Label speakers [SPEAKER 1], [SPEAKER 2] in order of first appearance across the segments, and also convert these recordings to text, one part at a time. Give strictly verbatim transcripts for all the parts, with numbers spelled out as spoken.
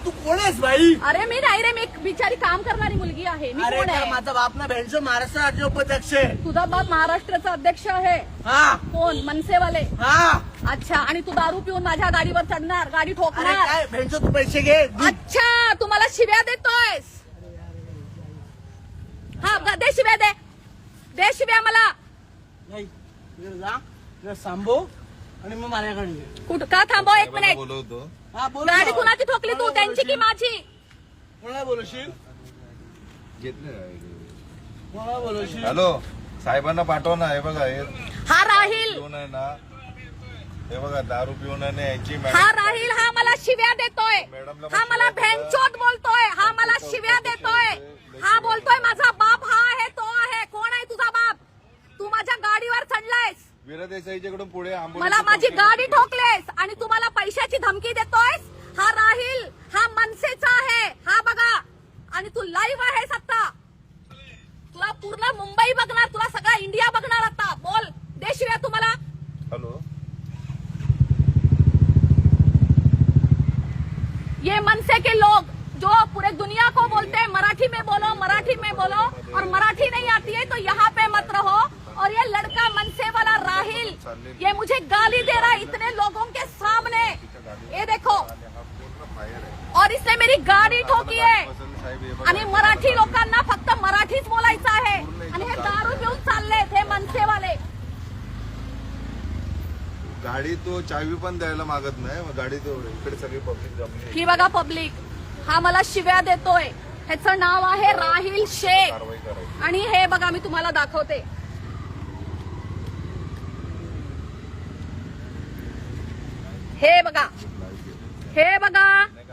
[SPEAKER 1] तू कोण आहेस भाई?
[SPEAKER 2] अरे मी नाही रे, मी एक बिचारी काम करणारी मुलगी आहे. मी
[SPEAKER 1] अरे
[SPEAKER 2] कोण
[SPEAKER 1] तर
[SPEAKER 2] आहे?
[SPEAKER 1] माझा बाप ना भेंडचो महाराष्ट्र राज्य उपाध्यक्ष आहे.
[SPEAKER 2] तुझा बाप महाराष्ट्राचा अध्यक्ष आहे.
[SPEAKER 1] हा
[SPEAKER 2] कोण? मनसेवाले.
[SPEAKER 1] हा.
[SPEAKER 2] अच्छा, आणि तू दारू पिऊन माझ्या गाडीवर चढणार, गाडी
[SPEAKER 1] अरे
[SPEAKER 2] ठोकणार.
[SPEAKER 1] काय भेंडचो तू पैसे घे.
[SPEAKER 2] अच्छा, तू मला शिव्या देतोयस. हा दे शिव्या, दे दे शिव्या मला.
[SPEAKER 1] नाही इकडे जा, इकडे सांभो आणि मग माझ्याकडे ये.
[SPEAKER 2] कुठं का थांबव एक मिनिट.
[SPEAKER 3] बोलवतो.
[SPEAKER 1] हा बोल.
[SPEAKER 2] गाडी कुणाची ठोकली तू, त्यांची की माझी?
[SPEAKER 1] कोणाला बोलवशील?
[SPEAKER 3] घेतले.
[SPEAKER 1] कोणाला बोलवशील?
[SPEAKER 3] हॅलो, साहेबांना पाठव ना. हे बघा, हे
[SPEAKER 2] हा राहील,
[SPEAKER 3] पिऊन आहे ना, हे बघा दारू पिऊन आहे ना यांची
[SPEAKER 2] हा
[SPEAKER 3] मॅडम.
[SPEAKER 2] राहील, हा मला शिव्या देतोय. हा मला भेंचोद बोलतोय, हा मला शिव्या देतोय. हा बोलतोय माझा बाप हा आहे, तो आहे. कोण आहे तुझा बाप? तू माझ्या गाडीवर चढलायस,
[SPEAKER 3] वीरा देसाईच्याकडून पुढे आंबोली
[SPEAKER 2] मला माझी गाडी ठोकलेस आणि तू मला पैशाची धमकी देतोयस. हा राहील, हा मनसेचा आहे, हा बघा. आणि तू लाईव्ह आहेस आता. तुला पूर्ण मुंबई बघणार, तुला सगळा इंडिया बघणार आता. बोल, दे शिव्या तू मला.
[SPEAKER 3] हॅलो,
[SPEAKER 2] ये मनसे के लोग जो पूरे दुनिया को बोलते हैं मराठी में बोलो, मराठी में बोलो, और मराठी नहीं आती है तो यहाँ पे मत रहो. और ये लड़का मनसे वाला राहिल, ये मुझे गाली दे रहा है इतने लोगों के सामने. ये देखो, और इसने मेरी गाडी ठोकी आहे. आणि मराठी लोकांना फक्त मराठीच बोलायचं आहे. आणि हे दारू घेऊन चाललेत हे मनसेवाले.
[SPEAKER 3] गाडी तो चावी पण द्यायला मागत नाही. मग गाडी तो इकडे सगळी पब्लिक जमली.
[SPEAKER 2] ही बघा पब्लिक, हा मला शिव्या देतोय. ह्याचं नाव आहे राहिल शेख.
[SPEAKER 3] कारवाई करायची.
[SPEAKER 2] आणि हे बघा, मी तुम्हाला दाखवते. हे बघा, हे बघा.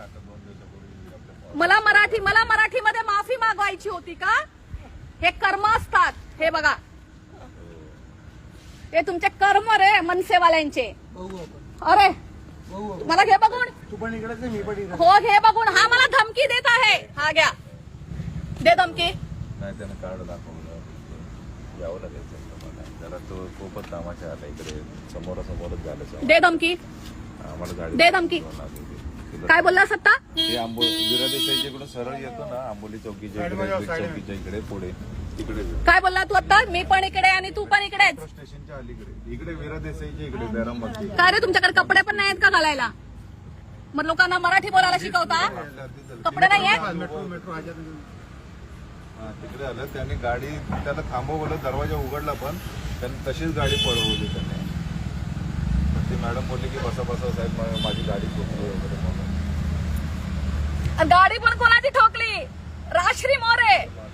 [SPEAKER 2] मला मराठी मला मराठीमध्ये माफी मागवायची होती का? हे कर्म असतात. हे बघा, हे तुमचे कर्म रे मनसेवाल्यांचे.
[SPEAKER 1] बघू आपण,
[SPEAKER 2] अरे
[SPEAKER 1] बघू आपण.
[SPEAKER 2] मला घे बघून.
[SPEAKER 1] तू पण इकडेच आहे, मी पण इकडे.
[SPEAKER 2] हो घे बघून. हा मला धमकी देत आहे. हा घ्या, दे धमकी.
[SPEAKER 3] नाही, त्यानं कार्ड दाखवलं. यावं लागेल मला. जरा तो खूपच कामाच्या आला इकडे. समोरासमोरच झालं.
[SPEAKER 2] दे धमकी,
[SPEAKER 3] आम्हाला गाडी
[SPEAKER 2] दे धमकी. काय बोलला सत्ता?
[SPEAKER 3] ते आंबोली वीरा देसाईच्या इकडून सरळ येतो ना, आंबोली चौकीच्या इकडे, बीड चौकीच्या इकडे पुढे तिकडे.
[SPEAKER 2] काय बोलला तू आता? मी पण इकडे आणि तू पण इकडेच.
[SPEAKER 3] मेट्रो स्टेशनच्या अलीकडे इकडे वीरा देसाईच्या इकडे बॅरामती.
[SPEAKER 2] काय रे, तुमच्याकडे कपडे पण नाहीत का घालायला? मग लोकांना मराठी बोलायला शिकवता? कपडे नाही आहेत?
[SPEAKER 1] मेट्रो मेट्रो आजा.
[SPEAKER 3] हा, तिकडे आलं. त्याने गाडी त्याला थांबवलं, दरवाजा उघडला पण त्याने तशीच गाडी पळवली त्याने. ती मॅडम बोलली की बसा बसा साहेब, मा- माझी गाडी ठोकली वगैरे म्हणून.
[SPEAKER 2] गाडी पण कोणाची ठोकली? राश्री मोरे.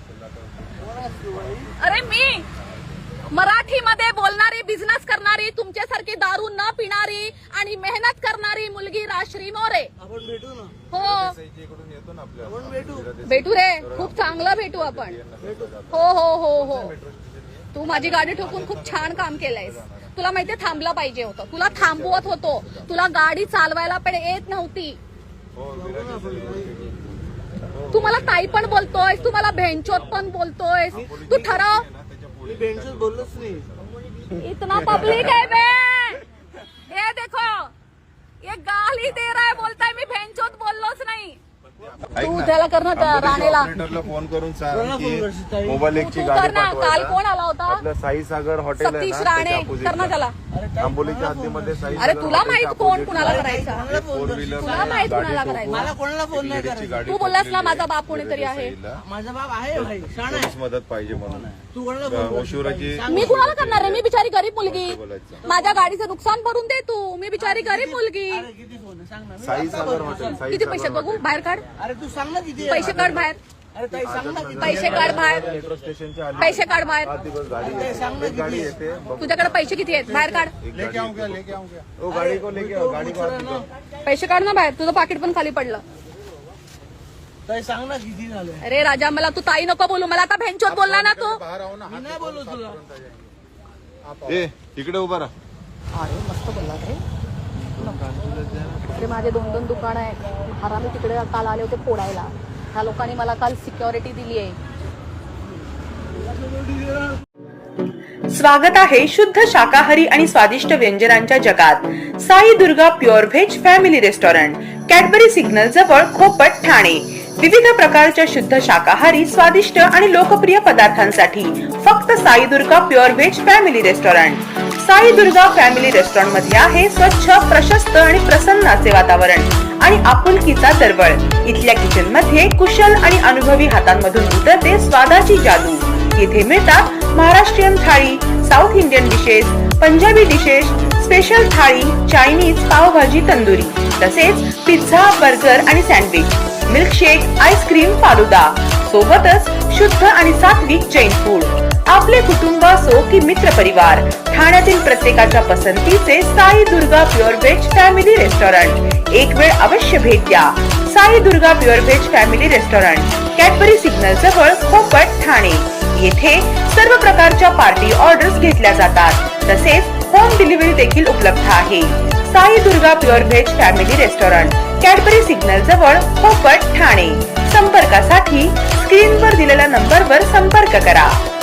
[SPEAKER 2] अरे मी मराठीमध्ये बोलणारी, बिझनेस करणारी, तुमच्यासारखी दारू न पिणारी आणि मेहनत करणारी मुलगी राश्री मोरे.
[SPEAKER 1] आपण भेटू ना.
[SPEAKER 2] हो
[SPEAKER 3] देसाईच्या इकडून येतो ना आपल्या.
[SPEAKER 1] आपण भेटू.
[SPEAKER 3] वीरा देसाई
[SPEAKER 2] भेटू रे, खूप चांगलं भेटू आपण. हो हो हो हो. तू माझी गाडी ठोकून खूप छान काम केलंयस. तुला माहितीये थांबलं पाहिजे होतं. तुला थांबवत होतो. तुला गाडी चालवायला पण येत नव्हती.
[SPEAKER 3] हो, वीरा देसाई.
[SPEAKER 2] तू मला ताई पण बोलतोयस, तू मला भेंचोत पण बोलतोयस. तू ठरव.
[SPEAKER 1] मी भेंडचोच बोललोच नाही.
[SPEAKER 2] इतना पब्लिक है बे. ये देखो, ये गाली दे रहा है, बोलताय मी भेंचोत बोललोच नाही.
[SPEAKER 3] ऐक
[SPEAKER 2] तू
[SPEAKER 3] ना,
[SPEAKER 2] त्याला कर ना, त्या
[SPEAKER 3] आंबोलीच्या
[SPEAKER 2] राणेला.
[SPEAKER 3] ऑपरेटरला फोन करून सांग
[SPEAKER 1] कोणाला फोन करशील
[SPEAKER 3] की
[SPEAKER 1] ताई?
[SPEAKER 3] मोबाईल एकची
[SPEAKER 2] तू
[SPEAKER 3] गाडी
[SPEAKER 2] कर ना. काल
[SPEAKER 3] पाठवायला.
[SPEAKER 2] कोण आला होता?
[SPEAKER 3] आपलं साई सागर हॉटेल आहे
[SPEAKER 2] सतीश
[SPEAKER 3] ना,
[SPEAKER 2] राणे.
[SPEAKER 3] त्याच्या opposite
[SPEAKER 2] कर ना
[SPEAKER 3] ला.
[SPEAKER 2] त्याला.
[SPEAKER 1] अरे ताई,
[SPEAKER 3] आंबोलीच्या
[SPEAKER 1] कोणाला
[SPEAKER 3] हद्दीमध्ये साई
[SPEAKER 2] अरे
[SPEAKER 3] सागर
[SPEAKER 2] तुला
[SPEAKER 3] हॉटेलच्या
[SPEAKER 2] माहित कोण
[SPEAKER 3] opposite
[SPEAKER 2] कुणाला
[SPEAKER 3] ला
[SPEAKER 2] करायचा?
[SPEAKER 1] कोणाला फोन
[SPEAKER 3] फोर
[SPEAKER 1] करशील?
[SPEAKER 3] व्हीलर
[SPEAKER 2] तुला माहित
[SPEAKER 3] गाडी
[SPEAKER 2] कुणाला
[SPEAKER 3] ठोकून
[SPEAKER 2] करायचं?
[SPEAKER 1] मला कोणाला फोन नाही
[SPEAKER 3] एक लेडीजची
[SPEAKER 1] करायचा.
[SPEAKER 3] गाडी
[SPEAKER 2] तू बोललास ना
[SPEAKER 3] ठोकलेली
[SPEAKER 2] माझा
[SPEAKER 3] आहे
[SPEAKER 2] बाप कोणीतरी आहे.
[SPEAKER 3] देसाईला.
[SPEAKER 1] माझा बाप आहे भाई, शाण आहे.
[SPEAKER 3] पोलीस मदत पाहिजे म्हणून.
[SPEAKER 1] तू कोणाला फोन करशील?
[SPEAKER 3] ओशिवराची
[SPEAKER 1] सांग
[SPEAKER 2] मी
[SPEAKER 1] ना.
[SPEAKER 2] कुणाला करणार आहे? मी बिचारी गरीब मुलगी.
[SPEAKER 3] बोलायचं.
[SPEAKER 2] माझ्या गाडीचं नुकसान भरून दे तू. मी बिचारी गरीब मुलगी.
[SPEAKER 1] अरे किती फोन आहे? सांग ना. मी
[SPEAKER 3] साई
[SPEAKER 1] आता
[SPEAKER 3] सागर
[SPEAKER 1] बोलतो.
[SPEAKER 3] हॉटेल. साई
[SPEAKER 2] किती
[SPEAKER 3] सागर
[SPEAKER 2] पैसे बघू?
[SPEAKER 3] हॉटेल.
[SPEAKER 2] बाहेर काढ.
[SPEAKER 1] अरे तू सांग ना किती आहे?
[SPEAKER 2] पैसे काढ बाहेर.
[SPEAKER 1] अरे ताई सांग ना किती
[SPEAKER 2] पैसे
[SPEAKER 1] आहे?
[SPEAKER 2] काढ बाहेर.
[SPEAKER 3] मेट्रो स्टेशनच्या आली.
[SPEAKER 2] पैसे काढ बाहेर.
[SPEAKER 3] सात दिवस गाडी
[SPEAKER 1] ते सांग ना
[SPEAKER 3] एक गाडी
[SPEAKER 1] किती
[SPEAKER 3] येते. बघ.
[SPEAKER 2] तुझ्याकडे पैसे किती आहेत? बाहेर काढ.
[SPEAKER 3] एक गाडी येते. ओ गाडी को लेके आओ, गाडी को हाथ दिखाओ.
[SPEAKER 2] पैसे काढ ना बाहेर. तुझं पाकिट पण खाली पडलं.
[SPEAKER 1] ताई सांग ना किती झाले?
[SPEAKER 2] अरे राजा, मला तू ताई नको बोलू. मला आता भेंचोत बोलला ना तू.
[SPEAKER 1] मी नाही बोलू तुला.
[SPEAKER 3] ए इकडे उभा राहा.
[SPEAKER 2] अरे मस्त बोलला रे. अरे माझे दोन दोन दुकान आहेत. हरामी तिकडे काल आले होते फोडायला. ह्या लोकांनी मला काल सिक्युरिटी दिली आहे.
[SPEAKER 4] स्वागत आहे शुद्ध शाकाहारी आणि स्वादिष्ट व्यंजनांच्या जगात. Sai Durga pure veg family restaurant. Cadbury signal जवळ खोपट ठाणे. विविध प्रकारच्या शुद्ध शाकाहारी स्वादिष्ट आणि लोकप्रिय पदार्थांसाठी फक्त Sai Durga pure veg family restaurant. Sai Durga family restaurant मध्ये आहे स्वच्छ, प्रशस्त आणि प्रसन्न असे वातावरण आणि आपुलकीचा दरवळ. इथल्या किचन मध्ये कुशल आणि अनुभवी हातांमधून उतरते स्वादाची जादू. येथे मिळतात Maharashtrian thali, south Indian dishes, Punjabi dishes, special thali, Chinese, pav bhaji, tandoori, तसेच पिझ्झा, बर्गर आणि सँडविच, मिल्कशेक, आईस्क्रीम, फालुदा, सोबतच शुद्ध आणि सात्विक जैन फूड. आपले कुटुंब असो की मित्र परिवार, ठाण्यातील प्रत्येकाच्या पसंतीचे Sai Durga pure veg family restaurant. एक वेळ अवश्य भेट द्या. Sai Durga pure veg family restaurant, Cadbury signal जवळ, खोपट, ठाणे. येथे सर्व प्रकारच्या पार्टी ऑर्डर्स घेतल्या जातात. तसेच होम डिलिव्हरी देखील उपलब्ध आहे. Sai Durga pure veg family restaurant, Cadbury signal जवळ, खोपट, ठाणे. संपर्कासाठी स्क्रीनवर दिलेल्या नंबरवर संपर्क करा.